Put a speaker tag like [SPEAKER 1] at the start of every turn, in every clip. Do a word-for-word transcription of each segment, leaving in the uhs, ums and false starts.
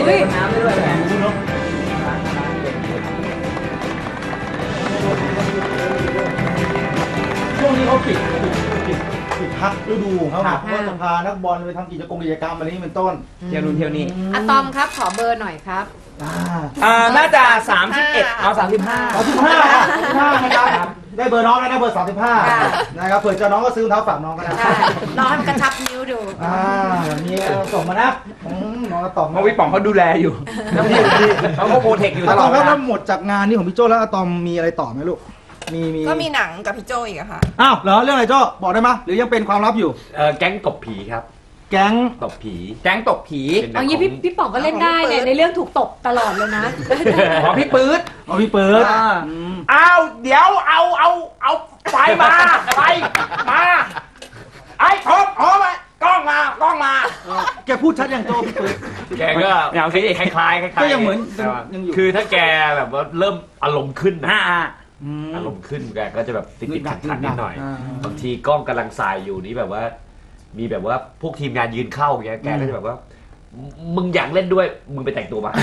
[SPEAKER 1] เลยน้ำด้วย
[SPEAKER 2] ช่วงนี้เขาปิดปิดปิดพักฤดูเขาเพราะว่าจะพานักบอลไปทำกิจกรรมกิจกรรมอะไรนี้เป็นต้น
[SPEAKER 1] เที่ยวนู้นเที่ยวนี้
[SPEAKER 3] อะตอมครับขอเบอร์หน่อยครับ
[SPEAKER 1] อ่าน่าจะสามสิบเอ็ดเอาสามสิบห้า
[SPEAKER 2] สามสิบห้านะครับได้เบอร์น้องแล้วนะเบอร์สามสิบห้านะครับเผื่อจะน้องก็ซื้อเท้าฝากน้องก็ได้
[SPEAKER 3] ใช่รอให้มันกระชับนิ้วดู
[SPEAKER 2] อ่าอย่างนี้ส่งมานะน้องก็ตอบ
[SPEAKER 1] เพราะพี่ป๋องเขาดูแลอยู่เขาก็โปรเทคอยู่ตลอด
[SPEAKER 2] แล้วแล้วหมดจากงานนี้ของพี่โจ้แล้วอะตอมมีอะไรต่อไหมลูกมีมี
[SPEAKER 4] ก็มีหนังกับพี่โจอีกอะค่ะ
[SPEAKER 2] อ้าวเหรอเรื่องอะไรโจ้บอกได้ไหมหรือยังเป็นความลับอยู่
[SPEAKER 5] เออแก๊งตบผีครับ
[SPEAKER 2] แก๊ง
[SPEAKER 5] ตบผี
[SPEAKER 1] แก๊งตบผี
[SPEAKER 5] เป็นหนั
[SPEAKER 3] เอา
[SPEAKER 5] ง
[SPEAKER 3] งี้
[SPEAKER 5] ข
[SPEAKER 3] พี่
[SPEAKER 5] อง
[SPEAKER 3] พี่ป๋องก็เล่นได้เนี่ยในเรื่องถูกตบตลอดเลยนะ
[SPEAKER 1] ของพี่ปื๊ด
[SPEAKER 2] เอาพี่เปิด
[SPEAKER 1] อ่า
[SPEAKER 2] อืม
[SPEAKER 1] อ้าวเดี๋ยวเอาเอาเอาไฟมาไฟมาไอ้ทบอ๋อมากล้องมากล้องมา
[SPEAKER 2] แกพูดชัดอย่างโจ้พี่เปิด
[SPEAKER 5] แกก็
[SPEAKER 1] อย่างสิ
[SPEAKER 5] คล้ายๆคล้ายๆ
[SPEAKER 2] ก็ยังเหมือน
[SPEAKER 5] แต่ว่า
[SPEAKER 2] ยังอยู่
[SPEAKER 5] คือถ้าแกแบบว่าเริ่มอารมณ์ขึ้นนะ
[SPEAKER 1] อ่าอ่า
[SPEAKER 2] ม
[SPEAKER 5] อารมณ์ขึ้นแกก็จะแบบติดติด
[SPEAKER 2] หนั
[SPEAKER 5] ขั
[SPEAKER 2] ก
[SPEAKER 5] ด
[SPEAKER 2] ๆ
[SPEAKER 5] ขัดนิดหน่อย
[SPEAKER 2] อ่า
[SPEAKER 5] บางทีกล้องกำลังสายอยู่นี่แบบว่า มีแบบว่าพวกทีมงานยืนเข้าอย่างเงี้ยแกก็จะแบบว่า มึงอยากเล่นด้วยมึงไปแต่งตัวมา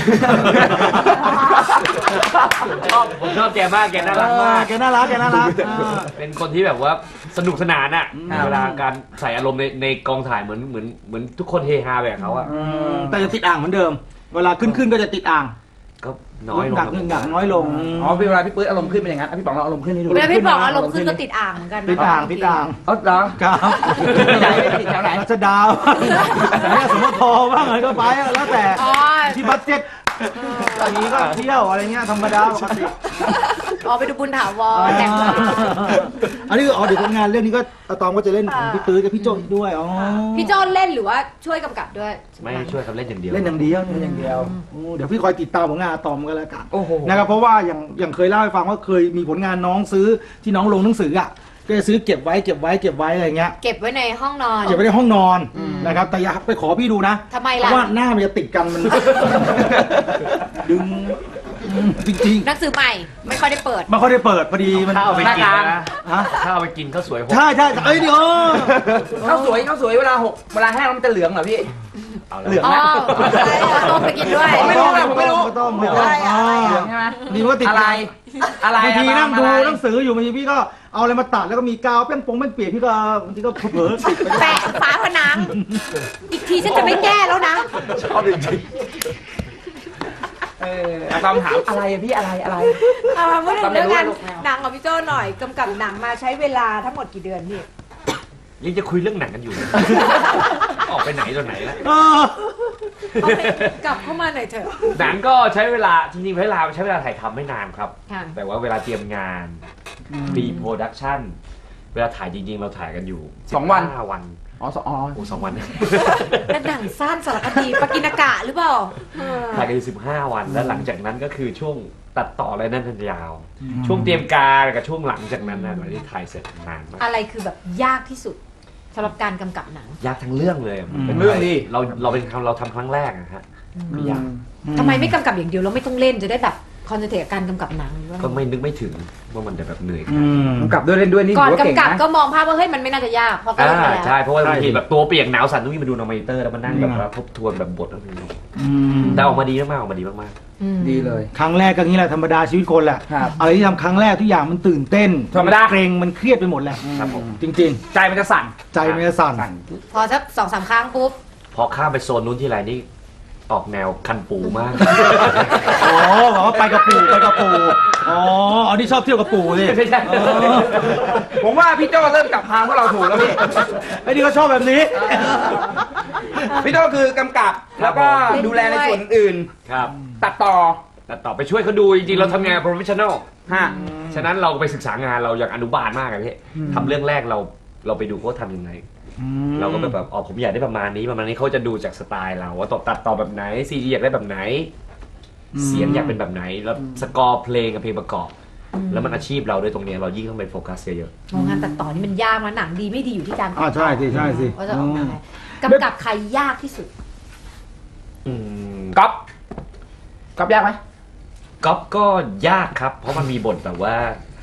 [SPEAKER 5] ชอบผมชอบแกมากแกน่ารักมาก
[SPEAKER 2] แกน่ารักแกน่ารัก
[SPEAKER 5] เป็นคนที่แบบว่าสนุกสนานอ่ะ
[SPEAKER 2] อืม
[SPEAKER 5] เวลาการใส่อารมณ์ในในกองถ่ายเหมือนเหมือนเหมือนทุกคนเฮฮาแบบเขาอ่ะ
[SPEAKER 2] อืมแต่จะติดอ่างเหมือนเดิม เวลาขึ้นขึ้นก็จะติดอ่าง
[SPEAKER 5] ก็น้อยลง
[SPEAKER 2] หนัก
[SPEAKER 5] ครับ
[SPEAKER 2] หนักน้อยลง
[SPEAKER 1] อ๋อเวลาพี่ปื๊ดอารมณ์ขึ้นเป็นอย่างนั้นอ่ะพี่ป๋องเราอารมณ์ขึ้นให้ดู
[SPEAKER 3] เวลาพี่ป๋องอารมณ์ขึ้นก็ติดอ่างเหมือนกันนะ
[SPEAKER 2] ติดอ่างติดอ่าง
[SPEAKER 1] เอ๋อเหรอ
[SPEAKER 2] ครับ
[SPEAKER 1] ใหญ่ไม่ติดแถวไหน
[SPEAKER 2] รัชดาเนี่ยสมมติทอบ้างอะไรก็ไปอะแล้วแต่
[SPEAKER 3] อ๋อ
[SPEAKER 2] ที่บัตเจ็ตอย่างนี้ก็เที่ยวอะไรเงี้ยธรรมดาปกติ
[SPEAKER 3] อ๋อไปดูบุญถาวรแต่งตัว
[SPEAKER 2] อันนี้อ๋อเดี๋ยวผลงานเรื่องนี้ก็อะตอมก็จะเล่นของพี่ตื้อกับพี่โจ้อีกด้วยอ๋อ
[SPEAKER 3] พี่โจ้เล่นหรือว่าช่วยกำกับด้วย
[SPEAKER 5] ไม่ช่วยเขาเล่นอย่างเดียว
[SPEAKER 2] เล่นอย่างเดียวเล่นอย่างเดียวโอ้เดี๋ยวพี่คอยติดตามผลงานอะตอมกันแล้วกัน
[SPEAKER 1] โอ้โห
[SPEAKER 2] นะครับเพราะว่าอย่างอย่างเคยเล่าให้ฟังว่าเคยมีผลงานน้องซื้อที่น้องลงหนังสืออ่ะก็จะซื้อเก็บไว้เก็บไว้เก็บไว้อะไรเงี้ย
[SPEAKER 3] เก็บไว้ในห้องนอน
[SPEAKER 2] เก็บไว้ในห้องนอนนะครับแต่อย่าไปขอพี่ดูนะ
[SPEAKER 3] ทำไม
[SPEAKER 2] เพ
[SPEAKER 3] ล่ะ
[SPEAKER 2] ราะว่าหน้ามันจะติดกันมัน ดึงจริง
[SPEAKER 3] หนังสือใหม่ไม่ค่อยได้เปิด
[SPEAKER 2] ๆไม่ค่อยได้เปิดพอดีมัน
[SPEAKER 5] ถ้าเอาไปกิน
[SPEAKER 1] หน้ากลาง
[SPEAKER 5] นะ
[SPEAKER 2] ฮะ
[SPEAKER 5] ถ้าเอาไปกินข้าวสวยหก
[SPEAKER 2] ใช่ใช่เอ้ยเดี๋ยว
[SPEAKER 1] ข้าวสวยข้าวสวยเวลาหกเวลาแห้งแล้วมันจะเหลืองเหรอพี่
[SPEAKER 5] เอาแล้ว
[SPEAKER 1] เหลือง
[SPEAKER 3] อ๋อ
[SPEAKER 1] นะ
[SPEAKER 3] ต้มไปกินด้วย
[SPEAKER 1] ผมไม่รู้นะผมไม่รู้
[SPEAKER 2] ไม่ต้องไม่
[SPEAKER 1] เหลื
[SPEAKER 2] ต้
[SPEAKER 1] อ
[SPEAKER 2] อง
[SPEAKER 1] ง
[SPEAKER 2] อ่า
[SPEAKER 1] เหลืองใช่ไหม
[SPEAKER 2] ดีมันก็ติด
[SPEAKER 1] อะไร อะไร
[SPEAKER 2] บางทีนั่งดู
[SPEAKER 1] อะไร
[SPEAKER 2] หนังสืออยู่บางทีพี่ก็เอาอะไรมาตัดแล้วก็มีกาวเปี้ยงปงเปี้ยงเปียกพี่ก็บางทีก็เผลอๆติดไป
[SPEAKER 3] แปะฝาผนัง อีกทีฉันจะไม่แก้แล้วนะ
[SPEAKER 5] ชอบจริง
[SPEAKER 1] เอออะตอมถามอะไรอะพี่อะไรอะไร
[SPEAKER 3] เอามาพูดถึงเรื่องงาน
[SPEAKER 1] ทำไมรู้ว่าลูกแมว
[SPEAKER 3] หนังของพี่โจ้หน่อยกำกับหนังมาใช้เวลาทั้งหมดกี่เดือนพี่
[SPEAKER 5] ๆยังจะคุยเรื่องหนังกันอยู่เลยออกไปไหนตอนไหนแล้ว
[SPEAKER 2] เออ
[SPEAKER 3] เอาไปกลับเข้ามาหน่อยเถอะ
[SPEAKER 5] หนังก็ใช้เวลาจริงๆเวลาใช้เวลาถ่ายทำไม่นานครับ
[SPEAKER 3] ค่ะ
[SPEAKER 5] แต่ว่าเวลาเตรียมงาน pre production เวลาถ่ายจริงๆ เราถ่ายกันอยู่
[SPEAKER 1] สองวัน
[SPEAKER 5] ห้าวัน
[SPEAKER 1] อ๋อสองอ๋อ
[SPEAKER 5] โอ้สองวัน
[SPEAKER 3] เป็นหนังสั้นสารคดีปากินากะหรือเปล่าเออ
[SPEAKER 5] ถ่ายกันอยู่สิบห้าวัน แล้วหลังจากนั้นก็คือช่วงตัดต่ออะไรนั่นทันยาว ช่วงเตรียมการกับช่วงหลังจากนั้นนะหลังที่ถ่ายเสร็จนานมาก
[SPEAKER 3] อะไรคือแบบยากที่สุดสำหรับการกำกับหนัง
[SPEAKER 5] ยากทั้งเรื่องเลยมันป็น
[SPEAKER 1] เรื่องดิ
[SPEAKER 5] เราเราเป็นเราทำครั้งแรกนะฮะไม่ยาก
[SPEAKER 3] ทำไมไม่กำกับอย่างเดียวแล้วไม่ต้องเล่นจะได้แบบคอนเซนเทรตกับการกำกับหนังหรือว่า
[SPEAKER 5] ก็ไม่นึกไม่ถึงว่ามันจะแบบเหนื่อยข
[SPEAKER 2] อื
[SPEAKER 5] นาดนี้
[SPEAKER 2] ม
[SPEAKER 1] กำกับด้วยเล่นด้วยนี่
[SPEAKER 3] ก่อน
[SPEAKER 1] ถือว่าเก่ง
[SPEAKER 3] กำกับ
[SPEAKER 1] นะ
[SPEAKER 3] ก็มองภาพว่าเฮ้ยมันไม่น่าจะยากเพราะก็
[SPEAKER 5] อ่า
[SPEAKER 3] เล่นมาแล้ว
[SPEAKER 5] ใช่เพราะว่าบางที
[SPEAKER 2] ใช่
[SPEAKER 5] แบบตัวเปียกหนาวสั่นต้องวิ่งมาดูในมอนิเตอร์แล้วมานั่งแบบ
[SPEAKER 2] นี่ไง
[SPEAKER 5] ว่าทบทวนแบบบทแล้วมัน
[SPEAKER 2] อืม
[SPEAKER 5] แต่ออกมาดีมากๆออกมาดีมาก
[SPEAKER 3] อืม
[SPEAKER 1] ดีเลย
[SPEAKER 2] ครั้งแรกก็งี้แหละธรรมดาชีวิตคนแหละ
[SPEAKER 1] ครับ
[SPEAKER 2] อะไรที่ทำครั้งแรกทุกอย่างมันตื่นเต้น
[SPEAKER 1] ธรรมดา
[SPEAKER 2] เกรงมันเครียดไปหมดแหละ
[SPEAKER 5] ๆครับผม
[SPEAKER 2] จริง
[SPEAKER 1] ใจมันจะสั่น
[SPEAKER 2] ๆ ใจมันจะสั่น
[SPEAKER 1] สั่น
[SPEAKER 3] พอสักสองสามครั้งปุ๊บ
[SPEAKER 5] พอข้ามไปโซนนู้นที่ไรนี่ออกแนวคันปูมาก
[SPEAKER 2] อ๋อบอกว่าไปกับปู่ไปกับปู่อ๋ออันนี้ชอบเที่ยวกับปู่สิ
[SPEAKER 1] ไม่ใช่
[SPEAKER 2] เออ
[SPEAKER 1] ผมว่าพี่โจ้เริ่มจับทางพวกเราถูกแล้วพี่
[SPEAKER 2] ไอ้นี่ก็ชอบแบบนี้
[SPEAKER 1] พี่โจ้คือกำกับแล้วก็ดูแลในส่วนอื่น
[SPEAKER 5] ครับ
[SPEAKER 1] ๆตัดต่อ
[SPEAKER 5] แต่ต่อไปช่วยเขาดูจริงๆเราทำงาน professional
[SPEAKER 1] ฮะ
[SPEAKER 5] ฉะนั้นเราไปศึกษางานเราอย่างอนุบาลมากอะพี่ทำเรื่องแรกเราเราไปดูเขาทำยังไง เราก็แบบแบบอ๋อผมอยากได้ประมาณนี้ประมาณนี้เขาจะดูจากสไตล์เราว่าต่อตัดต่อแบบไหนซีจีอยากได้แบบไหน เสียงอยากเป็นแบบไหนแล้วสกอร์เพลงกับเพลงประกอบ แล้วมันอาชีพเราด้วยตรงนี้เรายิ่งต้องไปโฟกัสเยอะ
[SPEAKER 3] มองงานตัดต่อนี่มันยากนะหนังดีไม่ดีอยู่ที่การ
[SPEAKER 2] อ่าใช่สิใช่สิ
[SPEAKER 3] ว่าจะออกมาไงกำกับใครยากที่สุด
[SPEAKER 5] ๆอืม
[SPEAKER 1] ก๊อฟก๊อฟยากไหม
[SPEAKER 5] ก๊อฟก็ยากครับ เพราะมันมีบทแบบว่า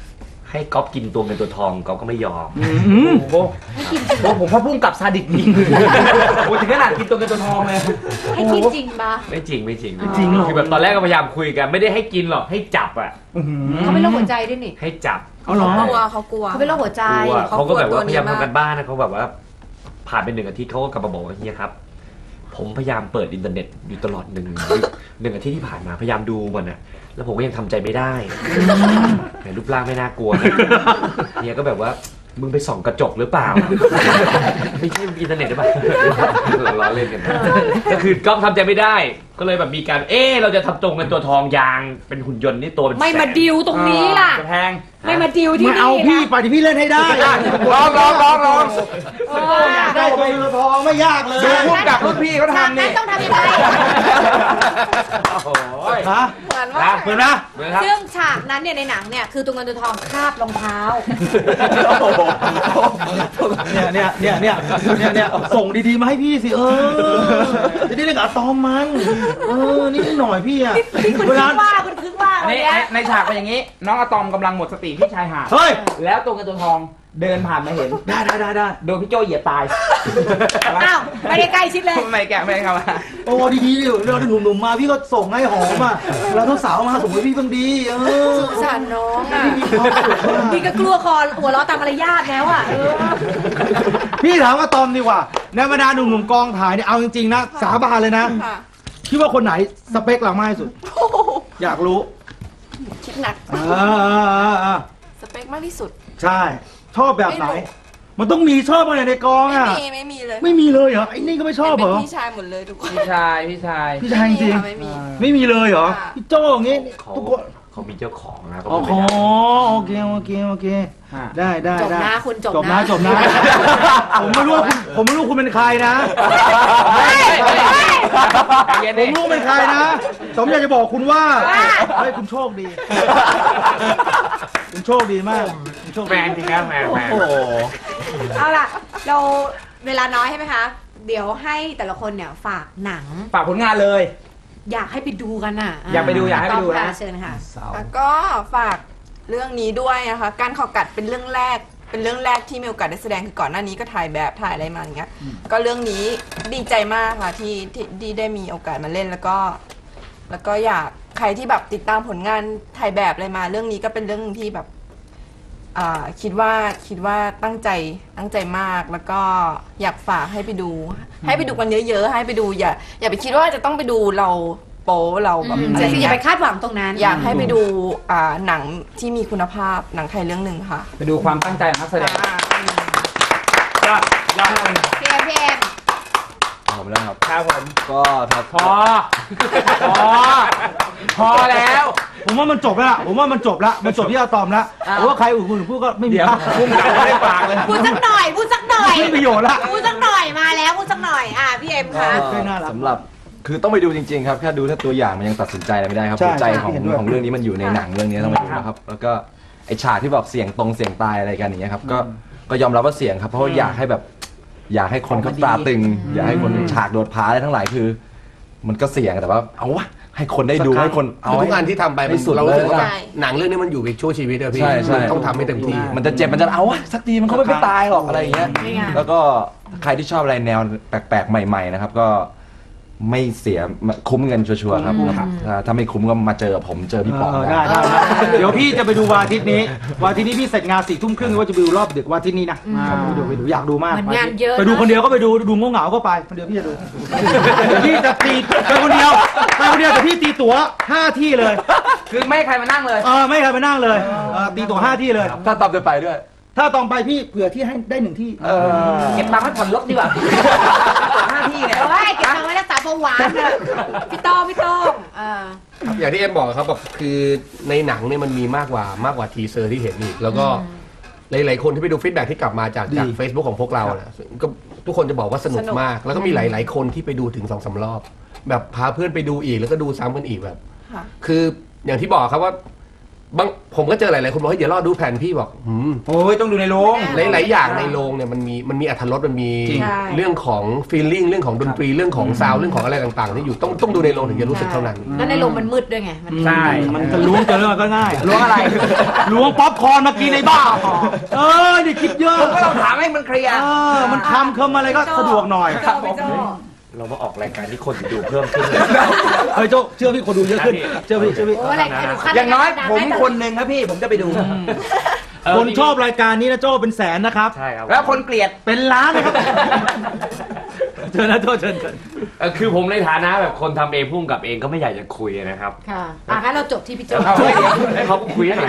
[SPEAKER 5] ให้ก๊อฟกินตัวเงินตัวทองก๊อฟก็ไม่ยอม
[SPEAKER 2] อืม
[SPEAKER 1] โอ้โหโอ้ผมพ่อพุ่งกับซาดิสจริงโอ้ถึงขนาดกินตัวเงินตัวทองเลย
[SPEAKER 3] ให้กินจริงปะ
[SPEAKER 5] ไม่จริงไม่จริง
[SPEAKER 3] อ๋อ
[SPEAKER 2] จริงเหรอ
[SPEAKER 5] คือแบบตอนแรกก็พยายามคุยกันไม่ได้ให้กินหรอกให้จับอ่ะ
[SPEAKER 2] อื้อหือ
[SPEAKER 3] เขาเป็นโรคหัวใจด้วยนี่
[SPEAKER 5] ให้จับ
[SPEAKER 2] เอาเหรอ
[SPEAKER 4] กลัวเขากลัว
[SPEAKER 3] เขาเป็นโรคหัวใจ
[SPEAKER 5] กลัว
[SPEAKER 4] เขา
[SPEAKER 5] เขาก็แบบว่า
[SPEAKER 4] ตัวนี้
[SPEAKER 5] พยายาม
[SPEAKER 4] มาก
[SPEAKER 5] ทำกันบ้านนะเขาแบบว่า ผ่านไปหนึ่งอาทิตย์เขาก็กลับมาบอกว่าเฮียครับ ผมพยายามเปิดอินเทอร์เน็ตอยู่ตลอดหนึ่งหนึ่งอาทิตย์ที่ผ่านมาพยายามดูมันนะแล้วผมก็ยังทำใจไม่ได้แต่รูปร่างไม่น่ากลัวนะเฮียก็แบบว่ามึงไปส่องกระจกหรือเปล่า ไม่ใช่อินเทอร์เน็ตหรือเปล่าล้อเล่นกันนะก็คือก๊อฟทำใจไม่ได้ ก็เลยแบบมีการเออเราจะทำตรงเป็นตัวทองยางเป็นหุ่นยนต์นี่ตัวเป็น
[SPEAKER 3] ไม่มา
[SPEAKER 5] แสน
[SPEAKER 3] ดิวตรงนี้ล่ะ
[SPEAKER 1] จะแพง
[SPEAKER 3] ไม่มาดิวที่
[SPEAKER 2] มา
[SPEAKER 3] นี่
[SPEAKER 2] เอาพี่
[SPEAKER 3] นะ
[SPEAKER 2] ไปที่พี่เล่นให้ได้
[SPEAKER 1] ลองลองลองลอง
[SPEAKER 3] เออ
[SPEAKER 2] อยากได้ตัวเงินตัวทองไม่ยากเลย
[SPEAKER 1] ดูพุ่งกับรุ่นพี่เขา
[SPEAKER 3] ฉาก
[SPEAKER 1] ทำ
[SPEAKER 3] นั้
[SPEAKER 1] นี่
[SPEAKER 3] นต้องทำยังไง
[SPEAKER 1] โอ้โห
[SPEAKER 2] ฮะ
[SPEAKER 4] เหมือนว่า
[SPEAKER 2] เหมือนนะ
[SPEAKER 5] เหมือนครับ
[SPEAKER 3] ซึ่งฉากนั้นเนี่ยในหนังเนี่ยคือตัวเงินตัวทองคาบรองเท้า
[SPEAKER 2] เนี่ยเนี่ยเนี่ยเนี่ยเนี่ยเนี่ยส่งดีๆมาให้พี่สิเออจะได้เล่นกับอะตอมมันเออนี่หน่อยพี่อะ
[SPEAKER 3] นี่คุณ
[SPEAKER 2] เว
[SPEAKER 3] คึ
[SPEAKER 2] ลาก
[SPEAKER 3] ว่าคุณคึกว่า
[SPEAKER 1] อัน
[SPEAKER 3] วัน
[SPEAKER 1] นี้
[SPEAKER 3] เนี้ย
[SPEAKER 1] ในฉากเป็นอย่างนี้ น้องอะตอมกำลังหมดสติที่ชายหาด
[SPEAKER 2] เฮ้ย
[SPEAKER 1] แล้วตัวเงินตัวทองเดินผ่านมาเห็น
[SPEAKER 2] ได้ได้ได้ได้
[SPEAKER 1] โดนพี่โจเหยียบตาย
[SPEAKER 3] อ้าวไม่ได้ใกล้ชิดเลย
[SPEAKER 1] ไม่แกะไม่เข้ามา
[SPEAKER 2] โอ้ดีๆดิเราหนุ่มๆมาพี่ก็ส่งให้หอมอ่ะเราทุกสาวมาส่งให้พี่บ้างดีเออ
[SPEAKER 3] สงสารน้องอ่ะ
[SPEAKER 2] พี่มีความสุขมาก
[SPEAKER 3] พี่ก็กลัวคอหัวเราะตามมารยาทแล้วอ่ะเออ
[SPEAKER 2] พี่ถามว่าตอมดีกว่าในบรรดาหนุ่มๆกองถ่ายเนี่ยเอาจริงๆนะสาบานเลยนะ
[SPEAKER 4] ค่ะ
[SPEAKER 2] คิดว่าคนไหนสเปคเรามากที่สุด อยากรู้
[SPEAKER 4] คิดหนัก
[SPEAKER 2] อ่าๆๆ
[SPEAKER 4] สเปคมากที่สุด
[SPEAKER 2] ๆใช่ ชอบแบบไหน
[SPEAKER 4] ไม่รู้
[SPEAKER 2] มันต้องมีชอบอะไรในกอง
[SPEAKER 4] ไม่
[SPEAKER 2] อ่ะ
[SPEAKER 4] มีไม่มีเลย
[SPEAKER 2] ไม่มีเลยเหรอไอ้นี่ก็ไม่ชอบเหรอ
[SPEAKER 4] เป็นพี่ชายหมดเลยทุกคน
[SPEAKER 1] พี่ชายพี่ชาย
[SPEAKER 2] พี่ชายจริง
[SPEAKER 4] ไม่มี
[SPEAKER 2] ๆไม่มีเลยเหรอ
[SPEAKER 4] ค่ะ
[SPEAKER 2] พี่โจ้อย่างงี้
[SPEAKER 5] เขา
[SPEAKER 2] ทุกคน
[SPEAKER 5] เขามีเจ้าของนะเขา
[SPEAKER 2] อ๋อ
[SPEAKER 5] ไม่ได้
[SPEAKER 2] โอเคโอเคโอเค
[SPEAKER 1] อ่า
[SPEAKER 2] ได้ได้
[SPEAKER 3] จบ
[SPEAKER 2] ได้
[SPEAKER 3] นะคุณจบ
[SPEAKER 2] จบนะ
[SPEAKER 3] นะ
[SPEAKER 2] จบนะ ผมไม่รู้ว่าคุณผมไม่รู้คุณเป็นใครนะ
[SPEAKER 1] เย็น
[SPEAKER 2] ผ
[SPEAKER 1] ดิ
[SPEAKER 2] มรู้เป็นใครนะผมอยากจะบอกคุณว่าเฮ้ยคุณโชคดี คุณโชคดีมากคุณโชค
[SPEAKER 5] แฟ
[SPEAKER 2] ดี
[SPEAKER 5] นจริงครับแฟนแฟน
[SPEAKER 2] โอ้โห
[SPEAKER 3] เอาล่ะ เราเวลาน้อยใช่ไหมคะ เดี๋ยวให้แต่ละคนเนี่ยฝากหนัง
[SPEAKER 1] ฝากผลงานเลย
[SPEAKER 3] อยากให้ไปดูกันอ่ะ
[SPEAKER 1] อยากไปดูอยากให้ไปดูนะ
[SPEAKER 3] ต้องค่เชิญค่ะ
[SPEAKER 4] แล้วก็ฝากเรื่องนี้ด้วยนะคะ การข่าวกัดเป็นเรื่องแรก เป็นเรื่องแรกที่มีโอกาสได้แสดงคือก่อนหน้านี้ก็ถ่ายแบบถ่ายอะไรมาอย่างเงี้ย ก็เรื่องนี้ดีใจมากค่ะที่ที่ที่ได้มีโอกาสมาเล่นแล้วก็ แล้วก็อยากใครที่แบบติดตามผลงานถ่ายแบบอะไรมา เรื่องนี้ก็เป็นเรื่องที่แบบอ่าคิดว่าคิดว่าตั้งใจตั้งใจมากแล้วก็อยากฝากให้ไปดู ให้ไปดูกันเยอะๆให้ไปดูอย่าอย่าไปคิดว่าจะต้องไปดูเราโป๊เราแบบ
[SPEAKER 3] อืม
[SPEAKER 4] อะไร
[SPEAKER 3] คืออย่า
[SPEAKER 4] เงี้
[SPEAKER 3] ไป
[SPEAKER 4] ย
[SPEAKER 3] คาดหวังตรงนั้น
[SPEAKER 4] อยากให้ไปดูอ่าหนังที่มีคุณภาพหนังไทยเรื่องหนึ่งค่ะ
[SPEAKER 1] ไปดูความตั้งใจของนักแสดง
[SPEAKER 5] ยอดยอด
[SPEAKER 3] พี่เอ็มพี่เอ็ม
[SPEAKER 6] ผมนะครับ
[SPEAKER 1] ครับผม
[SPEAKER 6] ก็ครับ
[SPEAKER 1] พอ พอ พอแล้ว
[SPEAKER 2] ผมว่ามันจบแล้วล่ะผมว่ามันจบแล้วมันจบที่อะตอมแล้ว
[SPEAKER 1] อ้าว
[SPEAKER 2] ผมว่าใครอื่นคุณพูดก็ไม่มี
[SPEAKER 1] เดี๋ยว
[SPEAKER 2] ค่า
[SPEAKER 1] พุ่งกลับไม่ได้ฝากเลย
[SPEAKER 3] พูดสักหน่อยพูดสักหน่อย
[SPEAKER 2] ไม่มีประโยชน์ละ
[SPEAKER 3] พูดสักหน่อยมาแล้วพูดสักหน่อยอ่ะพี่เอ็มคะ
[SPEAKER 2] ไม่น่ารัก
[SPEAKER 6] สำหรับคือต้องไปดูจริงๆครับแค่ดูแค่ตัวอย่างมันยังตัดสินใจอะไรไม่ได้ครับ
[SPEAKER 2] ใช่
[SPEAKER 6] หัวใจของ
[SPEAKER 2] เห็นด้วย
[SPEAKER 6] ของเรื่องนี้มันอยู่ในหนังเรื่องนี้ต้องไปดูนะครับแล้วก็ไอฉากที่บอกเสียงตรงเสียงตายอะไรกันอย่างเงี้ยครับก็ก็ยอมรับว่าเสียงครับเพราะว่าอยากให้แบบ อยากให้คนเขาตาตึง อยากให้คนฉากโดดผาอะไรทั้งหลายคือ มันก็เสี่ยงแต่ว่าเอาวะให้คนได้ดูให้คนเอา
[SPEAKER 7] ทุ
[SPEAKER 6] ให้
[SPEAKER 7] กงานที่ทำไป
[SPEAKER 6] ให้สุด
[SPEAKER 7] เรารู้สึกว่า
[SPEAKER 6] เลย
[SPEAKER 4] ใช่
[SPEAKER 7] หนังเรื่องนี้มันอยู่อีกชั่วชีวิตอะพี่
[SPEAKER 6] ใช่ใช่
[SPEAKER 7] มันต้องทำให้เต็มที่
[SPEAKER 6] มันจะเจ็บมันจะเอาวะสักทีมันก็ไม่ไปตายหรอกอะไรอย่างเงี้ย
[SPEAKER 3] นี่ไง
[SPEAKER 6] แล้วก็ใครที่ชอบอะไรแนวแปลกๆ ใหม่ๆนะครับก็ไม่เสียคุ้มเงินชัวร์ๆครับถ้าถ้าไม่คุ้มก็มาเจอผมเจอพี่ป๋อง
[SPEAKER 2] เออ
[SPEAKER 6] ได้
[SPEAKER 2] ได้ได้ได้เดี๋ยวพี่จะไปดูวันอาทิตย์นี้วันอาทิตย์นี้พี่เสร็จงานสี่ทุ่มครึ่งว่าจะไปดูรอบดึกวันอาทิตย์นี้นะไปดูไปดูอยากดูมาก
[SPEAKER 3] มันงานเยอะ
[SPEAKER 2] ไปดู
[SPEAKER 3] นะ
[SPEAKER 2] คนเดียวก็ไปดูดูงงเหงาๆก็ไปคนเดียวพี่จะดูเดี๋ยวพี่จะตีไปคนเดียวไปคนเดียวแต่พี่ตีตั๋วห้าที่เลย
[SPEAKER 1] คือไม่ให้ใครมานั่งเลย
[SPEAKER 2] เออไม่ใครไปนั่งเลยเออตีตั๋วห้าที่เลย
[SPEAKER 6] ถ้าตอบจะไปด้วย
[SPEAKER 2] ถ้าตองไปพี่เผื่อที่ให้ได้หนึ่งที่
[SPEAKER 6] เออ
[SPEAKER 1] เก็บตังค์ให้ผ่อนรถดีกว่าหน้าที่เนี่ย
[SPEAKER 3] เอ้ยเก็บตังค์ไว้รักษาเบาหวานเถอะพี่โต้งพี่โต้งอ่า
[SPEAKER 7] อย่างที่เอ็มบอกครับแบบคือในหนังเนี่ยมันมีมากกว่ามากกว่าทีเซอร์ที่เห็นอีกแล้วก็หลายๆคนที่ไปดูฟีดแบ็กที่กลับมาจากจาก Facebook ของพวกเราเนี่ยก็ทุกคนจะบอกว่าสนุก
[SPEAKER 4] สนุก
[SPEAKER 7] มาก แล้วก็มีหลาย ๆ คนที่ไปดูถึงสองสามรอบ แบบพาเพื่อนไปดูอีกแล้วก็ดูซ้ำกันอีกแบบ
[SPEAKER 4] ค่ะ
[SPEAKER 7] คืออย่างที่บอกครับว่าบางผมก็เจอหลายๆคนบอกว่าอย่ารอดูแผนพี่บอกหืม
[SPEAKER 1] โอ้ยต้องดูในโรง
[SPEAKER 7] หลายๆอย่างในโรงเนี่ยมันมีมันมีอรรถรสมันมี
[SPEAKER 1] จริง
[SPEAKER 7] เรื่องของฟีลลิ่งเรื่องของดนตรีเรื่องของซาวด์เรื่องของอะไรต่างๆที่อยู่ต้องต้องดูในโรงถึงจะรู้สึกเท่านั้น
[SPEAKER 3] แล้วในโรงมันมืดด้วยไงมัน
[SPEAKER 1] ใช่
[SPEAKER 2] มันจะล้วงเจอเรื่องก็ง่าย
[SPEAKER 1] ล้วงอะไร
[SPEAKER 2] ล้วงป๊อปคอร์นมากินในบ้าเออนี่คิดเยอะ
[SPEAKER 1] ผมก็ต้องถามให้มันเคลียร์
[SPEAKER 2] เออมันคำเคิมอะไรก็สะดวกหน่อย
[SPEAKER 3] พี่โจ้พี่โจ้
[SPEAKER 5] เรามาออกรายการที่คนดูเพิ่มขึ้น
[SPEAKER 2] เฮ้ยโจ้เชื่อพี่คนดูเยอะขึ้นเชื่อพี่เชื่อพี่
[SPEAKER 3] โอ้อะไรไอ้หนูขั้น
[SPEAKER 1] อย่างน้อย
[SPEAKER 3] ดั
[SPEAKER 1] ผม
[SPEAKER 3] ได้
[SPEAKER 1] คนหนึ่งครับพี่ผมจะไปดู
[SPEAKER 2] คนชอบรายการนี้นะโจ้เป็นแสนนะครับ
[SPEAKER 5] ใช่ครับ
[SPEAKER 1] แล้วคนเกลียด
[SPEAKER 2] เป็นล้านนะครับเชิญนะโจ้เชิญเชิญ
[SPEAKER 5] เออคือผมในฐานะแบบคนทำเองพุ่งกับเองก็ไม่อยากจะคุยนะครับ
[SPEAKER 3] ค่ะอ่ะงั้นเราจบที่พี่โจ้
[SPEAKER 1] เอาให้เดี๋ยว
[SPEAKER 5] ให้เขาคุยหน่อย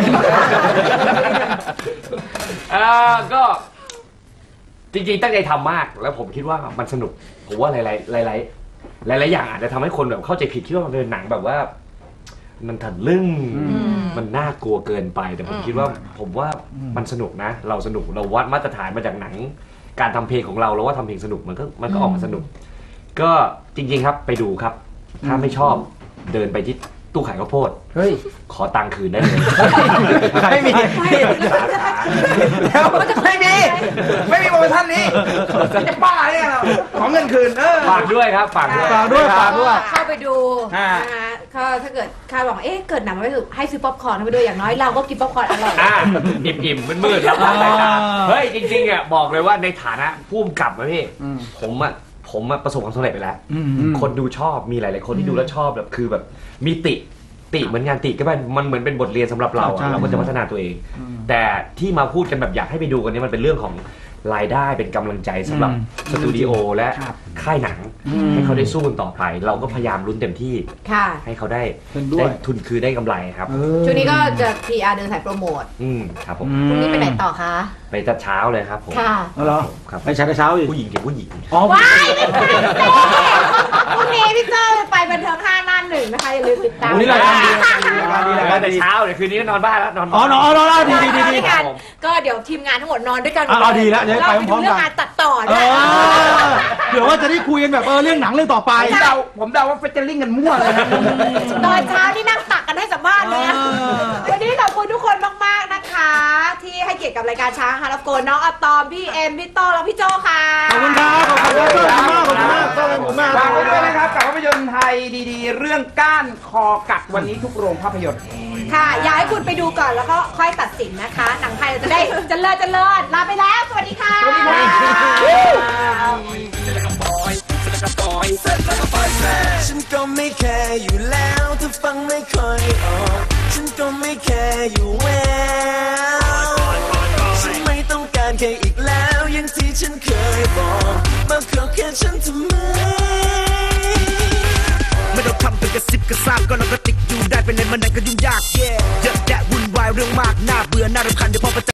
[SPEAKER 5] เออก็จริงๆตั้งใจทำมากแล้วผมคิดว่ามันสนุกผมว่าหลายๆหลายๆหลายๆอย่างอาจจะทำให้คนแบบเข้าใจผิดคิดว่ามันเป็นหนังแบบว่า มันถัดลึ่งมันน่ากลัวเกินไปแต่ผมคิดว่าผมว่ามันสนุกนะ เราสนุกเราวัดมาตรฐานมาจากหนัง การทำเพลงของเราเราว่าทำเพลงสนุกมันก็มันก็ออกมาสนุก ก็จริงๆครับไปดูครับ ถ้าไม่ชอบเดินไปที่ตู้ขายข้าวโพด
[SPEAKER 1] เฮ้ย
[SPEAKER 5] ขอตังค์คืนได้เลย
[SPEAKER 1] ไม่มีแล้วไม่มีไม่มีโปรโมชั่นนี้จะบ้าเนี่ยเราขอเงินคืนเออ
[SPEAKER 5] ฝากด้วยครับฝากด้วย
[SPEAKER 2] ฝากด้วยฝากด้วย
[SPEAKER 3] เข้าไปดู
[SPEAKER 1] อ่า
[SPEAKER 3] นะคะก็ถ้าเกิดคาดหวังเอ๊ะเกิดหนังไม่ถูกให้ซื้อป๊อปคอร์นเข้าไปด้วยอย่างน้อยเราก็กินป๊อปคอร์นอร่อย
[SPEAKER 5] อ่ะอิ่มๆมืดๆแล้ว
[SPEAKER 2] อ่า
[SPEAKER 5] เฮ้ยจริงๆอ่ะบอกเลยว่าในฐานะผู้กำกับนะพี่ผมอ่ะผมอ่ะประสบความสำเร็จไปแล้ว คนดูชอบมีหลายๆคนที่ดูแล้วชอบแบบคือแบบมีติติเหมือนงานติก็เป็นมันเหมือนเป็นบทเรียนสำหรับเรา
[SPEAKER 2] ใช่
[SPEAKER 5] อะเราก็จะพัฒนาตัวเอง แต่ที่มาพูดกันแบบอยากให้ไปดูกันเนี้มันเป็นเรื่องของรายได้เป็นกำลังใจสำหรับสตูดิโอและค่ายหนัง ให้เขาได้สู้กันต่อไป เราก็พยายามลุ้นเต็มที่
[SPEAKER 3] ค่ะ
[SPEAKER 5] ให้เขาได้
[SPEAKER 2] เห็นด้วย
[SPEAKER 5] ได้ทุนคือได้กำไรครับ
[SPEAKER 3] ช่วงนี้ก็จะ พี อาร์ เดินสายโปรโมท
[SPEAKER 5] อืมครับผม
[SPEAKER 3] พรุ่งนี้ไปไหนต่อคะ
[SPEAKER 5] ไปแต่เช้าเลยครับผม
[SPEAKER 3] ค่ะ
[SPEAKER 2] เอาเหรอ
[SPEAKER 5] ครับ
[SPEAKER 2] ไปเช้าเช้าอีก
[SPEAKER 5] ผู้หญิงเด็กผู้หญิง
[SPEAKER 2] อ๋อ
[SPEAKER 3] ว้ายไม่ใช่สิพรุ่งนี้พี่โจ้ไปบันเทิงห้าหน้าหนึ่งนะคะอย่าลืมติดตาม
[SPEAKER 2] วันนี้รายการดีรายการดีรายการ
[SPEAKER 5] แต่
[SPEAKER 2] ดี
[SPEAKER 5] เช้าเดี๋ยวคืนนี้ก็นอนบ้านแล้วนอน
[SPEAKER 2] อ๋อนอนนอนนอนดีดีดี
[SPEAKER 3] นอน
[SPEAKER 2] ดี
[SPEAKER 3] ด้วยกันก็เดี๋ยวทีมงานทั้งหมดนอนด้วยกัน
[SPEAKER 2] อ่ะเอาดีแล้วเดี๋ยว
[SPEAKER 3] เรา
[SPEAKER 2] ไป
[SPEAKER 3] ไป
[SPEAKER 2] พร้
[SPEAKER 3] ดู
[SPEAKER 2] อมๆ
[SPEAKER 3] เรื่อ
[SPEAKER 2] กัน
[SPEAKER 3] งงานตัดต่อ
[SPEAKER 2] เอ
[SPEAKER 3] ด้วย
[SPEAKER 2] อเดี๋ยวว่าจะได้คุยกันแบบเออเรื่องหนังเรื่องต่อไป
[SPEAKER 1] ผมเดาผมเดาว่าเฟเจอริ่งกันมั่วเลยนะ
[SPEAKER 3] ตอนเช้านี่นั่งตักกันให้สัมภาษณ์เลยอะ
[SPEAKER 2] เออ
[SPEAKER 3] วันนี้ขอบคุณทุกคนมากๆนะคะ ที่ให้เกียรติกับรายการช้างฮาร์ฟโกนน้องอะตอมพี่เอ็มพี่โต้และพี่โจค่ะ
[SPEAKER 2] ขอบคุณครับขอบคุณครับขอบคุณมากขอบคุณมากขอบคุณมาก
[SPEAKER 1] ฝากไว้ด้วยนะครับกับภาพยนตร์ไทยดีๆ เรื่องก้านคอกัดวันนี้ทุกโรงภาพยนตร์
[SPEAKER 3] ค่ะ อยากให้คุณไปดูก่อนแล้วก็ค่อยตัดสินนะคะ หนังไทยเราจะได้เจริญเจริญลาไปแล้ว สวัสดีค่ะ
[SPEAKER 1] สวัสดีค่ะ
[SPEAKER 8] ฉันก็ไม่แคร์อยู่แล้วถ้าฟังไม่ค่อยออกฉันก็ไม่แคร์อยู่แล้วฉันไม่ต้องการแค่อีกแล้วอย่างที่ฉันเคยบอกมาขอแค่ฉันทำไมไม่ต้องทำเป็นกระซิบกระซาบก็เราก็ติดอยู่ได้เป็นในมันไหนก็ยุ่งยาก yeah เยอะแยะวุ่นวายเรื่องมากน่าเบื่อน่ารำคาญเดี๋ยวพอประ